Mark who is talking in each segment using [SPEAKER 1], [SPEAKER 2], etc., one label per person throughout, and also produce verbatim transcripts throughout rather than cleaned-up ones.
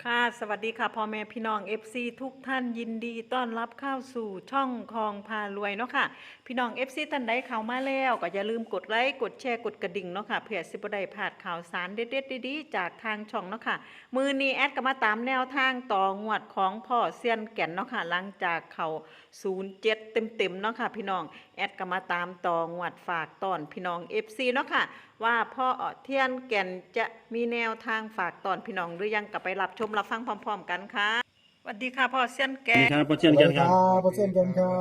[SPEAKER 1] ค่ะสวัสดีค่ะพ่อแม่พี่น้อง เอฟ ซี ทุกท่านยินดีต้อนรับเข้าสู่ช่องคลองพารวยเนาะค่ะพี่น้อง เอฟ ซี ท่านใดเข้ามาแล้วก็อย่าลืมกดไลค์กดแชร์กดกระดิ่งเนาะค่ะเพื่อสิบ่ได้พลาดข่าวสารเด็ดๆดีๆจากทางช่องเนาะค่ะมือนี้แอดก็มาตามแนวทางต่องวดของพ่อเซียนแก่นเนาะค่ะหลังจากเขาศูนย์เจ็ดเต็มๆเนาะค่ะพี่น้องแอดก็มาตามต่องวดฝากตอนพี่น้อง เอฟ ซี เนาะค่ะว่าพ่อเทียนแก่นจะมีแนวทางฝากตอนพี่น้องหรือยังก็ไปรับชมรับฟังพร้อมๆกันค่ะสวัสดีค่ะพ่อเซียนแก่น
[SPEAKER 2] สวัสดีครับพ่อเชียน
[SPEAKER 3] สวั
[SPEAKER 2] กั
[SPEAKER 3] ส
[SPEAKER 2] น
[SPEAKER 3] ดี
[SPEAKER 2] ค
[SPEAKER 3] ค
[SPEAKER 2] รั
[SPEAKER 3] รั
[SPEAKER 2] บบ
[SPEAKER 3] เปอร์เซ็นต์กันครับ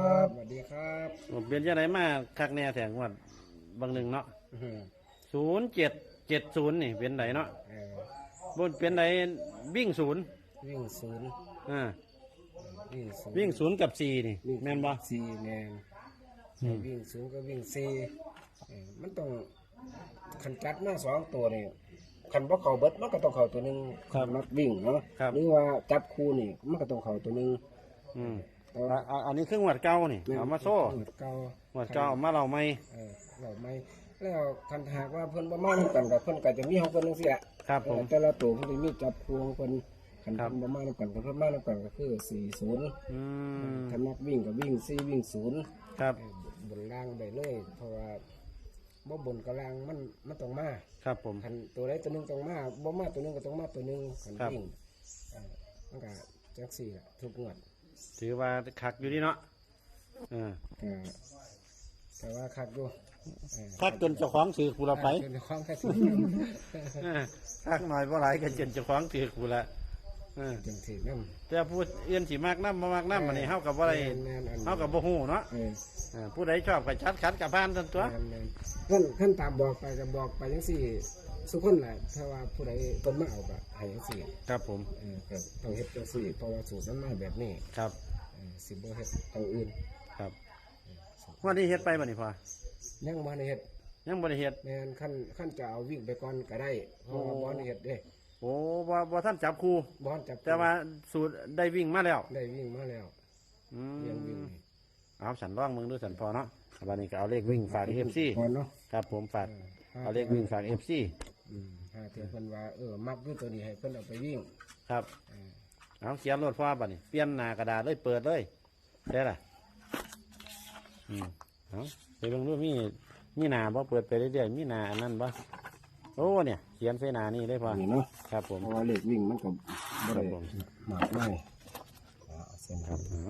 [SPEAKER 4] สวัสดีครับ
[SPEAKER 2] ผมเป็นยังไงมาคักแน่แสงวัดบางหนึ่งเนาะศูนย์เจ็ดเจ็ดศูนย์นี่เป็นไหนเนาะ
[SPEAKER 4] เออบ
[SPEAKER 2] นเป็นไหนวิ่งศูนย์
[SPEAKER 4] วิ่งศูนย์
[SPEAKER 2] อ่า
[SPEAKER 4] วิ่งศูนย์
[SPEAKER 2] วิ่งศูนย์กับสี่นี่แม่นบ่
[SPEAKER 4] สี่แมน
[SPEAKER 2] อืม
[SPEAKER 4] วิ่งศูนย์ก็วิ่งสี่เออมันต้องขันจัดมาสองตัวนี่ขันบ่เข่าเบิดมันก็ต้องเข่าตัวหนึ่งนักวิ่งเนาะหรือว่าจับคู่นี่มันก็ต้องเข่าตัวหนึ่ง
[SPEAKER 2] อืม
[SPEAKER 4] แต่ว่า
[SPEAKER 2] อ่ะอ่ะอันนี้เครื่องวัดเก่านี่เอามาโซ่
[SPEAKER 4] หมดเก่า
[SPEAKER 2] วัดเก่าเอามาเราไม่
[SPEAKER 4] เออเราไม่แล้วคันหากว่าเพิ่นบ่มานํกันกับเพิ่นก็จะมีของเพิ่นจังซี่แหละ
[SPEAKER 2] ครับผม
[SPEAKER 4] แต่ละตัวเพิ่นจะมีจับคู่ของเพิ่นคัน
[SPEAKER 2] ครับ
[SPEAKER 4] เพิ่นบ่มานํกันกับเพิ่นมานํกันก็คือสี่ศูนย์
[SPEAKER 2] อืม
[SPEAKER 4] ถ้านักวิ่งก็วิ่งสี่วิ่งศูนย์
[SPEAKER 2] ครับ
[SPEAKER 4] เอ่อบนล่างได้เลย เพราะว่าบ่บนกับล่างมันมันต้องมา
[SPEAKER 2] ครับผม
[SPEAKER 4] คันตัวใดตัวหนึงต้องมาบ่มาตัวหนึงก็ต้องมาตัวหนึงคัน
[SPEAKER 2] ครับ
[SPEAKER 4] วิ่งเอ่อมันก็จังสี่ล่ะทุกงวด
[SPEAKER 2] ถือว่าคักอยู่นี่เนาะอ่า
[SPEAKER 4] เอ่อแต่ว่าคักอยู่เอ่อ
[SPEAKER 2] คักจนเจ้าของถือกูละไป
[SPEAKER 4] จนความคัก
[SPEAKER 2] อ่าคักหน่อยเพราะหลายกันจนเจ้าของถือกูละอ่า
[SPEAKER 4] จังสี่นำ
[SPEAKER 2] แต่พูดเอื้อนสีมากน้ำมามากน้ำมันนี่เฮากับว่าอะไร
[SPEAKER 4] แม่นๆอัน
[SPEAKER 2] เฮากับบ่ฮู้เนาะ
[SPEAKER 4] เออ
[SPEAKER 2] อ่าผู้ใดชอบก็ชัดขัดกับพานทันตัว
[SPEAKER 4] แม่นๆขั้นขั้นตามบอกไปก็บอกไปจังสี่สุคนแหละถ้าว่าผู้ใดเพิ่นมาเอาก็ให้จังสี่
[SPEAKER 2] ครับผม
[SPEAKER 4] เออครับต้องเฮ็ดจังสี่เพราะว่าสูตรมันมาแบบนี้
[SPEAKER 2] ครับ
[SPEAKER 4] เออสิบ่เฮ็ดทางอื่น
[SPEAKER 2] ครับวันนี้เฮ็ดไปบ่นี่พ่อ
[SPEAKER 4] ยังบ่ได้เฮ็ด
[SPEAKER 2] ยังบ่ได้เฮ็ด
[SPEAKER 4] แม่นขั้นขั้นจะเอาวิ่งไปก่อนก็ได้เพราะว่าบ่ได้เฮ็ดเด้
[SPEAKER 2] โอ้บ่บ่ท่านจับครู
[SPEAKER 4] บ่ทันจับ
[SPEAKER 2] แต่ว่าสูตรได้วิ่งมาแล้ว
[SPEAKER 4] ได้วิ่งมาแล้ว
[SPEAKER 2] อื
[SPEAKER 4] เรียนวิ่ง
[SPEAKER 2] ม
[SPEAKER 4] นี่
[SPEAKER 2] เอาสันร่องมึงดูสันพอเนาะวันนี้ก็เอาเลขวิ่งฝาก เอฟ ซี
[SPEAKER 4] ก่อนเนาะ
[SPEAKER 2] ครับผมฝาก
[SPEAKER 4] เออ
[SPEAKER 2] เอาเลขวิ่งฝาก เอฟ ซี
[SPEAKER 4] อืมถ้าเทียเพิ่นว่าเออมักอยู่ตัวนี้ให้เพิ่นเอาไปวิ่ง
[SPEAKER 2] ครับ
[SPEAKER 4] เออ
[SPEAKER 2] เอาเขียนรถพ่อบัดนี้เปลี่ยนหน้ากระดาษเลยเปิดเลยได้ล่ะอืมเอาไปเบิ่งดูมีมีหน้าบ่เปิดไปเรื่อยๆมีหน้าอันนั้นบ่โอ้เนี่ยเขียนใส่หน้านี่เลยพ่อ
[SPEAKER 4] นี่เนาะ
[SPEAKER 2] ครับผม
[SPEAKER 4] เพราะว่าเลขวิ่งมันก็บ่ได้
[SPEAKER 2] ครับผม
[SPEAKER 4] มากมายเอาเส้น
[SPEAKER 2] ค
[SPEAKER 4] ค
[SPEAKER 2] รั
[SPEAKER 4] รั
[SPEAKER 2] บบ เอา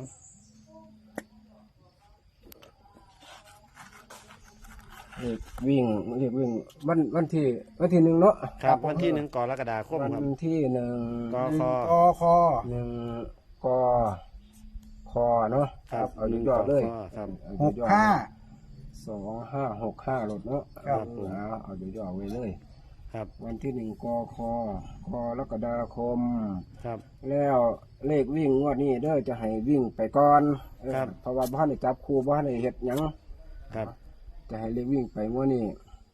[SPEAKER 4] เลขวิ่งเลขวิ่งวันวันที่วันที่หนึ่งเนาะ
[SPEAKER 2] ครับวันที่หนึ่งกรกฎาคม
[SPEAKER 4] วัน
[SPEAKER 2] ครับ
[SPEAKER 4] ที่หนึ่ง
[SPEAKER 2] กค
[SPEAKER 3] กอคอ
[SPEAKER 4] หนึ่งกคอเนาะ
[SPEAKER 2] ครับ
[SPEAKER 4] เอายอดๆเลย
[SPEAKER 2] ครับ
[SPEAKER 4] เอา
[SPEAKER 3] หก
[SPEAKER 4] ยอดๆ
[SPEAKER 3] ห้า
[SPEAKER 4] สองห้าหกห้าหลดเนาะ
[SPEAKER 2] ครับผม
[SPEAKER 4] เอาเอายอดๆไว้เลย
[SPEAKER 2] ครับ
[SPEAKER 4] วันที่หนึ่งกคกรกฎาคม
[SPEAKER 2] ครับ
[SPEAKER 4] แล้วเลขวิ่งงวดนี้เด้อจะให้วิ่งไปก่อนเออ
[SPEAKER 2] ครับ
[SPEAKER 4] เพราะว่าบ้านได้จับครูบ้านได้เฮ็ดหยัง
[SPEAKER 2] ครับ
[SPEAKER 4] จะให้เลขวิ่งไปงวดนี้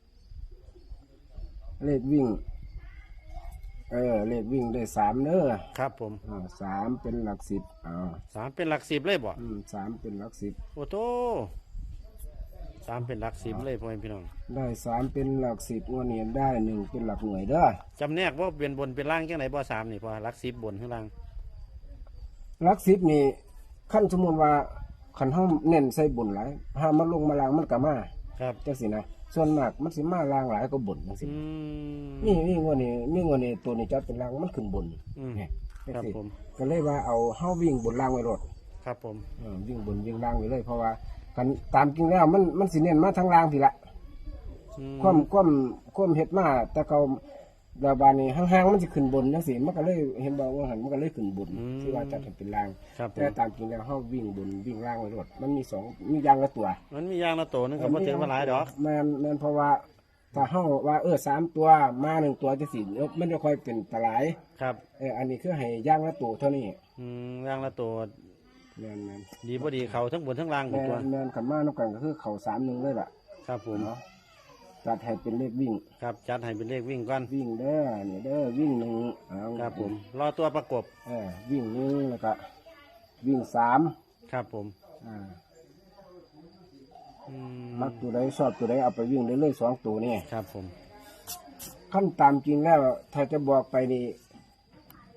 [SPEAKER 4] เลขวิ่ง เออเลขวิ่งได้สามเด้อ
[SPEAKER 2] ครับผม
[SPEAKER 4] อ่าสามเป็นหลักสิบอ่า
[SPEAKER 2] สามเป็นหลักสิบเลยบ่
[SPEAKER 4] อืมสามเป็นหลักสิบ
[SPEAKER 2] โอ้โตสามเป็นหลักสิบเลยพ่อแม่พี่น้อง
[SPEAKER 4] ได้สามเป็นหลักสิบงวดนี้ได้หนึ่งเป็นหลักหน่วยเด้อ
[SPEAKER 2] จำแนกว่าเป็นบนเป็นล่างจังไหนบ่สามนี่พอหลักสิบบนข้างล่าง
[SPEAKER 4] หลักสิบนี่ขั้นสมมติว่าขันห้องเน้นใส่บุญหลายห้ามมันลงมาลางมันก็มา
[SPEAKER 2] ครับ
[SPEAKER 4] จังสินะส่วนมากมันสิมาลางหลายก็บุญจังสิ
[SPEAKER 2] อืม
[SPEAKER 4] นี่นี่งวดนี้นี่งวดนี้ตัวนี้จับเป็นลางมันขึ้นบุญ
[SPEAKER 2] อืม
[SPEAKER 4] เนี่ยจัง
[SPEAKER 2] ครับ
[SPEAKER 4] สิ
[SPEAKER 2] ผม
[SPEAKER 4] ก็เลยว่าเอาเฮาวิ่งบนลางไว้รถ
[SPEAKER 2] ครับผม
[SPEAKER 4] เออวิ่งบนวิ่งลางไว้เลยเพราะว่ากันตามจริงแล้วมันมันสิเน้นมาทางลางทีละ
[SPEAKER 2] อืม
[SPEAKER 4] ความความความเฮ็ดมาแต่เขาดาวบานนี่ห่างๆมันสิขึ้นบนจังซี่มันก็เลยเห็นบ่ว่าหันมันก็เลยขึ้นบนที่ว่าจัดให้เป็นราง
[SPEAKER 2] ครับผ
[SPEAKER 4] แต่
[SPEAKER 2] ม
[SPEAKER 4] ตามจริงแล้วเฮาวิ่งบนวิ่งล่างไว้รถมันมีสองมีอย่างละตัว
[SPEAKER 2] มันมียางละโตนึงก็บ่ถึงมาหลายดอก
[SPEAKER 4] แม่นแม่นเพราะว่าถ้าเฮาว่าเออสามตัวมาหนึ่งตัวจังซี่เออมันจะค่อยเป็นตะหลาย
[SPEAKER 2] ครับ
[SPEAKER 4] เอออันนี้คือให้อย่างละตัวเท่านี้
[SPEAKER 2] อืมยางละโต
[SPEAKER 4] แม่นแม่น
[SPEAKER 2] ดีบ่ดีเขาทั้งบนทั้งล่างหมด
[SPEAKER 4] แม่
[SPEAKER 2] ตัวน
[SPEAKER 4] แม่นกันมานำกันก็คือเข้าสามหนึ่งเลยล่ะ
[SPEAKER 2] ครับผม
[SPEAKER 4] เนาะจัดให้เป็นเลขวิ่ง
[SPEAKER 2] ครับจัดให้เป็นเลขวิ่งก่อน
[SPEAKER 4] วิ่งเด้อนี่เด้อวิ่งหนึ่งเอา
[SPEAKER 2] ครับผมรอตัวประกบ
[SPEAKER 4] เออวิ่งหนึ่งแล้วก็วิ่งสาม
[SPEAKER 2] ครับผม
[SPEAKER 4] อ่า
[SPEAKER 2] อืม
[SPEAKER 4] มักตัวใดชอบตัวใดเอาไปวิ่งได้เลยสองตัวนี่
[SPEAKER 2] ครับผม
[SPEAKER 4] ขั้นตามจริงแล้ว ถ้าจะบอกไปนี่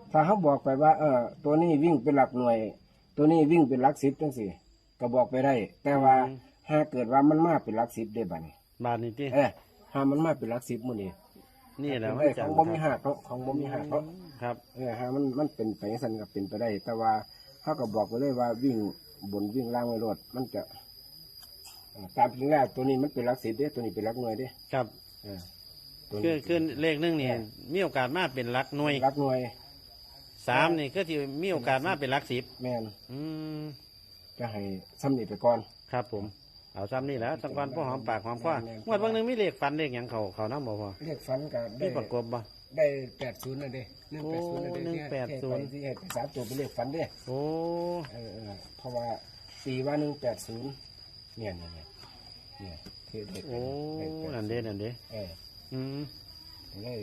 [SPEAKER 4] ถ้าเขาบอกไปว่า เออตัวนี้วิ่งเป็นหลักหน่วย ตัวนี้วิ่งเป็นหลักสิบจังสี่ก็บอกไปได้ แต่ว่าหากเกิดว่ามันมาเป็นหลักสิบได้บัดนี้
[SPEAKER 2] บาทนี่ติ
[SPEAKER 4] เออหามันมาเป็นหลักสิบมื้อนี้
[SPEAKER 2] นี่แหละ
[SPEAKER 4] เป็
[SPEAKER 2] มัน
[SPEAKER 4] นไป
[SPEAKER 2] จะ
[SPEAKER 4] ของบ่มีหักเนาะของบ่มีหักเนาะ
[SPEAKER 2] ครับ
[SPEAKER 4] เออหามันมันเป็นไปสั่นก็เป็นไปได้ แต่ว่าเขาก็บอกไปเลยว่าวิ่งบนวิ่งล่างไว้รถมันจะเอ่อตามจริงแล้วตัวนี้มันเป็นหลักสิบเด้ตัวนี้เป็นหลักหน่วยเด้
[SPEAKER 2] ครับ
[SPEAKER 4] เออตัว
[SPEAKER 2] คือ
[SPEAKER 4] นี้
[SPEAKER 2] คือเลขหนึงนี่มีโอกาสมาเป็นหลักหน่วย
[SPEAKER 4] หลักหน่วย
[SPEAKER 2] สามนี่ก็ที่มีโอกาสมาเป็นหลักสิบ
[SPEAKER 4] แม่น
[SPEAKER 2] อืม
[SPEAKER 4] จะให้ซ้ำนี่ไปก่อน
[SPEAKER 2] ครับผมเอาซ้ำนี่แหล้วสังวันพ่อหอมปากหอมคอ
[SPEAKER 4] แม่น
[SPEAKER 2] งวดบางหนึงมีเลขฟันเลขหยังเขาเขาน้ำบ่พอ
[SPEAKER 4] เรียกฟันก็
[SPEAKER 2] มี
[SPEAKER 4] ได้
[SPEAKER 2] ประกบบ่
[SPEAKER 4] ได้แปดศูนย์นั่นเด้หนึ่ง
[SPEAKER 2] โอ้
[SPEAKER 4] แปดศูนย์นั่นเด้
[SPEAKER 2] หนึ่งแปดศูนย์
[SPEAKER 4] ที่ให้ไปสามตัวเป็นเลขฟันเด้
[SPEAKER 2] โอ้
[SPEAKER 4] เออเออเพราะว่าตีว่าหนึ่งแปดศูนย์เนี่ยเนี่ยเนี่ยเนี่ยที่เด็ด
[SPEAKER 2] โอ้นั่นเด้นั่นเด้
[SPEAKER 4] เออ
[SPEAKER 2] อืม
[SPEAKER 4] เลย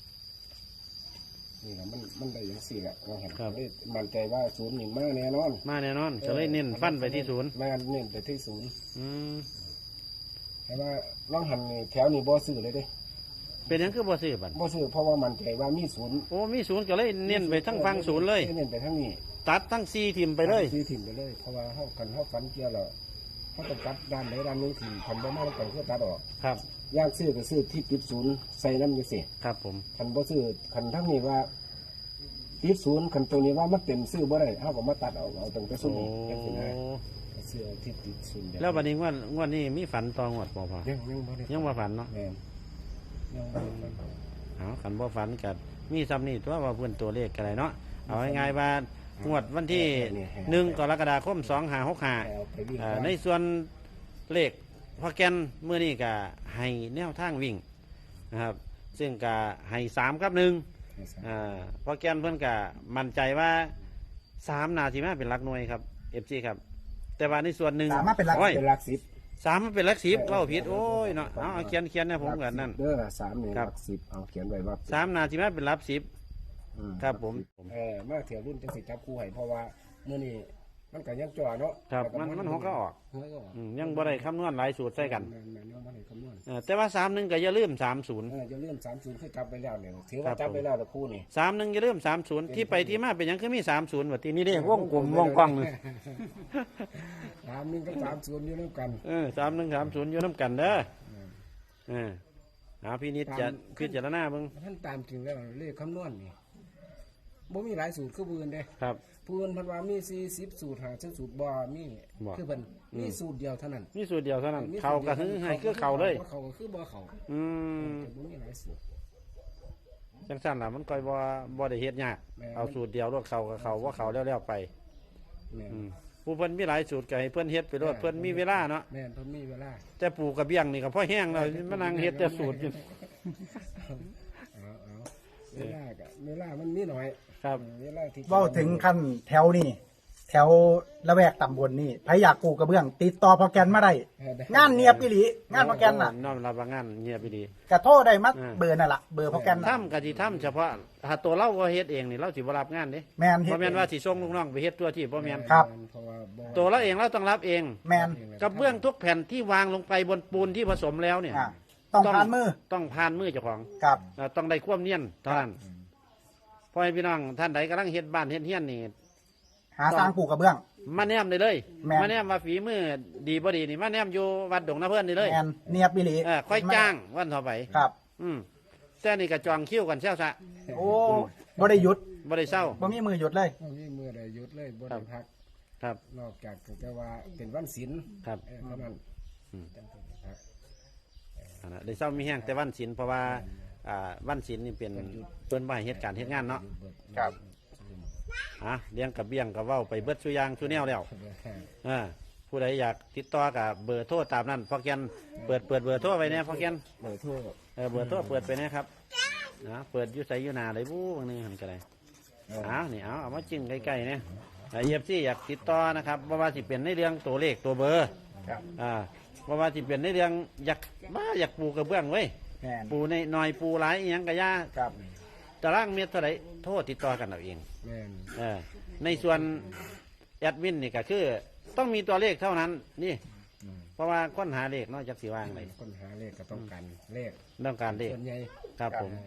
[SPEAKER 4] นี่แหละมันมันได้อย่างสี่แหละเราเห็น
[SPEAKER 2] ครับ
[SPEAKER 4] เลยมั่นใจว่าศูนย์หนึ่งมากแน่นอน
[SPEAKER 2] มาแน่นอนจะเลยเน้นฟันไปที่ศูนย์
[SPEAKER 4] แม่นเน้นไปที่ศูนย์
[SPEAKER 2] อืม
[SPEAKER 4] แต่ว่าล่องหันนี่แถวนี้บ่ซื้อเลยเด้
[SPEAKER 2] เป็นหยังคือบ่ซื้อบัด
[SPEAKER 4] บ่ซื้อเพราะว่ามั่นใจว่ามีศูนย์
[SPEAKER 2] โอ้มีศูนย์ก็เลยเน้นไปทั้งฟังศูนย์เลย
[SPEAKER 4] เน้นไปทั้งนี้
[SPEAKER 2] ตัดทั้งสี่ทิมไปเลย
[SPEAKER 4] ซื้อถิ่นไปเลย เพราะว่าเขากันเขาฝันเกี่ยวแล้วเขาต้องตัดด้านไหนด้านหนึงถิ่นคันบ่มาแล้วกันเพื่อตัดออก
[SPEAKER 2] ครับ
[SPEAKER 4] ย่างซื้อก็ซื้อที่ติดศูนย์ใส่น้ำจังซี่
[SPEAKER 2] ครับผม
[SPEAKER 4] คันบ่ซื้อคันทั้งนี้ว่าติดศูนย์คันตรงนี้ว่ามันเต็มซื้อบ่ได้เฮาก็มาตัดเอาเอาตรงกระสุ
[SPEAKER 2] โอ้
[SPEAKER 4] นจังซี่นะซื้อที่ติดศูนย์
[SPEAKER 2] แล้ววันนี้งวดงวดนี้มีฝันตองวดบ่พอ
[SPEAKER 4] ยังยังบ่ได้
[SPEAKER 2] ยังว่าฝันเนาะ
[SPEAKER 4] แม่นยังบ่ได้ฝัน
[SPEAKER 2] เอาขันบ่ฝันกัมีซ้ำนี่ตัวว่าเพื่อนตัวเลขกันไรเนาะเอาง่ายๆว่างวดวันที่หนึ่งกรกฎาคมสองห้าหกห้า
[SPEAKER 4] เอาไปวิ่ง
[SPEAKER 2] ในส่วนเลขพอแกนเมื่อนี้ก็ให้แนวทางวิ่งนะครับ ซึ่งก็ให้สามกับหนึ่งอ่าพอแกนเพื่อนก็มั่นใจว่าสามนาทีมาเป็นหลักหน่วยครับเอฟซีครับ แต่ว่าในส่วนหนึ่ง
[SPEAKER 3] สามารถเป็นหลัก
[SPEAKER 2] โอ้ย
[SPEAKER 4] เป็นหลักสิบ
[SPEAKER 2] สามมันเป็นหลักสิบเล่าผิดโอ้ยเนาะเอาเอาเขียนเขียนนะผมกันนั่น
[SPEAKER 4] เด้อสามนี่
[SPEAKER 2] ค
[SPEAKER 4] ห
[SPEAKER 2] รับ
[SPEAKER 4] ลักสิบเอาเขียนไว้ว่า
[SPEAKER 2] สามนาทีมาเป็นหลักสิบ
[SPEAKER 4] อืม
[SPEAKER 2] ครับผม
[SPEAKER 4] เออมาเที่ยวรุ่นจังสิจับคู่ให้เพราะว่ามื้อนี้มันก็ยังจ่อเนาะ
[SPEAKER 2] ครับมันมันหัวก็ออก
[SPEAKER 4] หัวก็ออก
[SPEAKER 2] อืมยังบ่ได้คำนวณหลายสูตรใส่กัน
[SPEAKER 4] แม่นๆยังบ่ได้คำนวณ
[SPEAKER 2] เออแต่ว่าสามหนึ่งก็อย่าลืมสามศูนย์
[SPEAKER 4] เออจะเลื่อนสามศูนย์คือจับไปแล้วเนี่ยถือ
[SPEAKER 2] ครั
[SPEAKER 4] ว่า
[SPEAKER 2] บ
[SPEAKER 4] จับไปแล้วตะคู่นี่
[SPEAKER 2] สามหนึ่งอย่าลืมสามศูนย์ที่ไปที่มาเป็นหยังคือมีสามศูนย์ว่าที่นี่เด้วงกลมวงกว้างเลย
[SPEAKER 4] สามหนึ่งกับสามศูนย์อยู่ด้วยกัน
[SPEAKER 2] เออสามหนึ่งสามศูนย์อยู่น้ำกันเด้อเออเอาพี่นิดจะพิจารณาเบิ่ง
[SPEAKER 4] ท่านตามจริงแล้วเลขคำนวณนี่บ่มีหลายสูตรคือปืนเด้
[SPEAKER 2] ครับ
[SPEAKER 4] ปืนเพันว่ามีสี่สิบสูตรหาสิบสูตรบ่มี
[SPEAKER 2] บ่
[SPEAKER 4] คือเพิ่นมีสูตรเดียวเท่านั้น
[SPEAKER 2] มีสูตรเดียวเท่านั้น
[SPEAKER 4] มี
[SPEAKER 2] เขา
[SPEAKER 4] สูตร
[SPEAKER 2] ก็
[SPEAKER 4] ดี
[SPEAKER 2] คื
[SPEAKER 4] ยว
[SPEAKER 2] อให้คือเขาเลย
[SPEAKER 4] บ่เขาก็คือบ่เขา
[SPEAKER 2] อืม
[SPEAKER 4] แต่บ่มีหลายสูตร
[SPEAKER 2] จังสั้นล่ะมันก่อยบ่บ่ได้เฮ็ดยาก
[SPEAKER 4] แม่
[SPEAKER 2] เอาสูตรเดียวรวดเขากับเขาว่าเขาแล้วๆไป
[SPEAKER 4] แม่น
[SPEAKER 2] อืมผู้เพิ่นมีหลายสูตรก็ให้เพิ่นเฮ็ดไปรวดเพิ่นมีเวลาเนาะ
[SPEAKER 4] แม่นเพิ่นมีเวลา
[SPEAKER 2] แต่ปลูกกระเบี้ยงนี่ก็พอแห้งแล้วมานั่งเฮ็ดแต่สูตรอยู่
[SPEAKER 4] เอาเอาเวลาก็เวลามันมีน้อย
[SPEAKER 2] ครับ
[SPEAKER 4] เวลาที่
[SPEAKER 3] เว่าถึงขั้นแถวนี่แถวละแวกตำบลนี่ใครอยากปลูกกระเบื้อง ติดต่อพอแกนมาได้
[SPEAKER 4] เออได้
[SPEAKER 3] งานเนียบอีหลีงานพอแกนน่ะ
[SPEAKER 2] น้อมรับว่างานเงียบไปดี
[SPEAKER 3] กระโทษได้มัด
[SPEAKER 2] อ่า
[SPEAKER 3] เบอร์นั่นล่ะเบอร์พอแกนน่ะ
[SPEAKER 2] ทำกะสิทำเฉพาะถ้าตัวเราก็เฮ็ดเองนี่เราสิบ่รับงานเด้
[SPEAKER 3] แมนเฮ็
[SPEAKER 2] บ่
[SPEAKER 3] ด
[SPEAKER 2] แม่นว่าสิส่งลูกน้องไปเฮ็ดตัวที่บ่แม่น
[SPEAKER 3] ครับ
[SPEAKER 4] เพราะว่าบ่
[SPEAKER 2] ตัวเราเองเราต้องรับเอง
[SPEAKER 3] แมน
[SPEAKER 2] กระเบื้องทุกแผ่นที่วางลงไปบนปูนที่ผสมแล้วเนี่ย
[SPEAKER 3] อ่าต้องผ่านมือ
[SPEAKER 2] ต้องผ่านมือเจ้าของ
[SPEAKER 3] กับ
[SPEAKER 2] เอ่อต้องได้ความเนียนเท่านั้นพ่อให้พี่น้องท่านใดกำลังเฮ็ดบ้านเฮ็ดเฮียนนี่
[SPEAKER 3] หาสร้างปลูกกระเบื้อง
[SPEAKER 2] มาแนมได้เลย
[SPEAKER 3] แม่น
[SPEAKER 2] มาแนมว่าฝีมือดีบ่ดีนี่มาแนมอยู่วัดดงนาเพิ่นนี่เลย
[SPEAKER 3] แมนเนียบอีหลี
[SPEAKER 2] เออค่อยจ้างวันต่อไป
[SPEAKER 3] ครับ
[SPEAKER 2] อืมแต่นี่ก็จองคิวกันเช้าซะ
[SPEAKER 3] โอ้บ่ได้หยุด
[SPEAKER 2] บ่ได้เศร้า
[SPEAKER 3] บ่มีมือหยุดเลย
[SPEAKER 4] บ่มีมือใดหยุดเลยบ่
[SPEAKER 2] ครั
[SPEAKER 4] ได้
[SPEAKER 2] บ
[SPEAKER 4] พัก
[SPEAKER 2] ครับ
[SPEAKER 4] นอกจากแต่ว่าเป็นวันศีล
[SPEAKER 2] ครับ
[SPEAKER 4] เออเท่านั้น
[SPEAKER 2] อืม
[SPEAKER 4] จังเป็นพัก
[SPEAKER 2] อันนั้นได้เศร้ามีแห้งแต่วันศีลเพราะว่าอ่าวันศีลนี่เป็นเปิ้นบ่ให้เฮ็ดการเฮ็ดงานเนาะ
[SPEAKER 3] ครับ
[SPEAKER 2] อ่ะเลี้ยงกับเบี้ยงกับเว้าไปเบิดซุอย่างซุแนวแล้วอ่าผู้ใดอยากติดต่อกับเบอร์โทรตามนั้นพอแกนเปิดเปิดเบอร์โทรไว้แน่พอแกน
[SPEAKER 4] เบอร์โทร
[SPEAKER 2] เออเบอร์โทรเปิดไปนะครับนะเปิดอยุไสอยุนาเลยบู๊บางนึงหันกันเลยเอานี่เอาเอามาจิ้มใกล้ๆเนี่ยเอฟซีอยากติดต่อนะครับว่าว่าสิเป็นในเรื่องตัวเลขตัวเบอร์
[SPEAKER 3] ครับ
[SPEAKER 2] อ่าว่าว่าสิเป็นในเรื่องอยากมาอยากปลูกกระเบื้องไว้ย
[SPEAKER 3] แมน
[SPEAKER 2] ปลูในหน่อยปลูหลายอหยังกะยา
[SPEAKER 3] ครับ
[SPEAKER 2] ตารางเมตรเท่าไหรโทษติดต่อกันเอาเอง
[SPEAKER 4] แม่น
[SPEAKER 2] เออในส่วนแอดมินนี่ก็คือต้องมีตัวเลขเท่านั้นนี่
[SPEAKER 4] อืม
[SPEAKER 2] เพราะว่าค้นหาเลขเนอกจากสีว่างเลย
[SPEAKER 4] คนหาเลขก็ต้องการเลข
[SPEAKER 2] ต้องการเลข
[SPEAKER 4] ส่วนใหญ่
[SPEAKER 2] ครับผม
[SPEAKER 4] เออ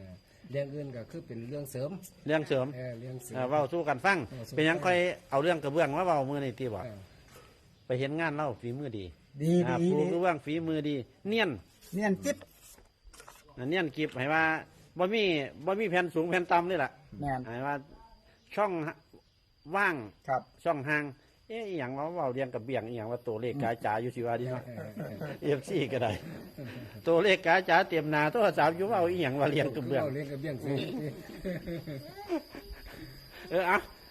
[SPEAKER 4] เรื่องอื่นก็คือเป็นเรื่องเสริม
[SPEAKER 2] เรื่องเสริม
[SPEAKER 4] เออเรื่องเสริม
[SPEAKER 2] เอ่อเว้าสู้กันฟัง
[SPEAKER 4] เออสู้
[SPEAKER 2] เป็นหยังค่อยเอาเรื่องกระเบื้องมาเว้ามือนี่ตีบ่
[SPEAKER 4] เออ
[SPEAKER 2] ไปเห็นงานเล่าฝีมือดี
[SPEAKER 3] ดี
[SPEAKER 2] อ่า
[SPEAKER 3] ดี
[SPEAKER 2] ปู
[SPEAKER 3] ดี
[SPEAKER 2] กระเบื้องฝีมือดี เนียน
[SPEAKER 3] เนียนจิ๊บ
[SPEAKER 2] อ่าเนียนกิบให้ว่าบ่มีบ่มีแผ่นสูงแผ่นต่ำนี่แหละ
[SPEAKER 3] แมน
[SPEAKER 2] ให้ว่าช่องว่าง
[SPEAKER 3] ครับ
[SPEAKER 2] ช่องห่างเอ๊ะอหย่างว่าเว้าเรียงกับเบี่ยงอหย่างว่าตัวเลขกาจ๋าอยู่สิว่าดีเนาะ
[SPEAKER 4] เออเออ
[SPEAKER 2] เอฟซีก็ได้ ตัวเลขกาจ๋าเตรียมหนาโทรศัพท์อยู่เว่าอีหยังว่าเรียงกับเบื้อง
[SPEAKER 4] เลี้ยงกับเบี้ยงเสริม
[SPEAKER 2] เออเอา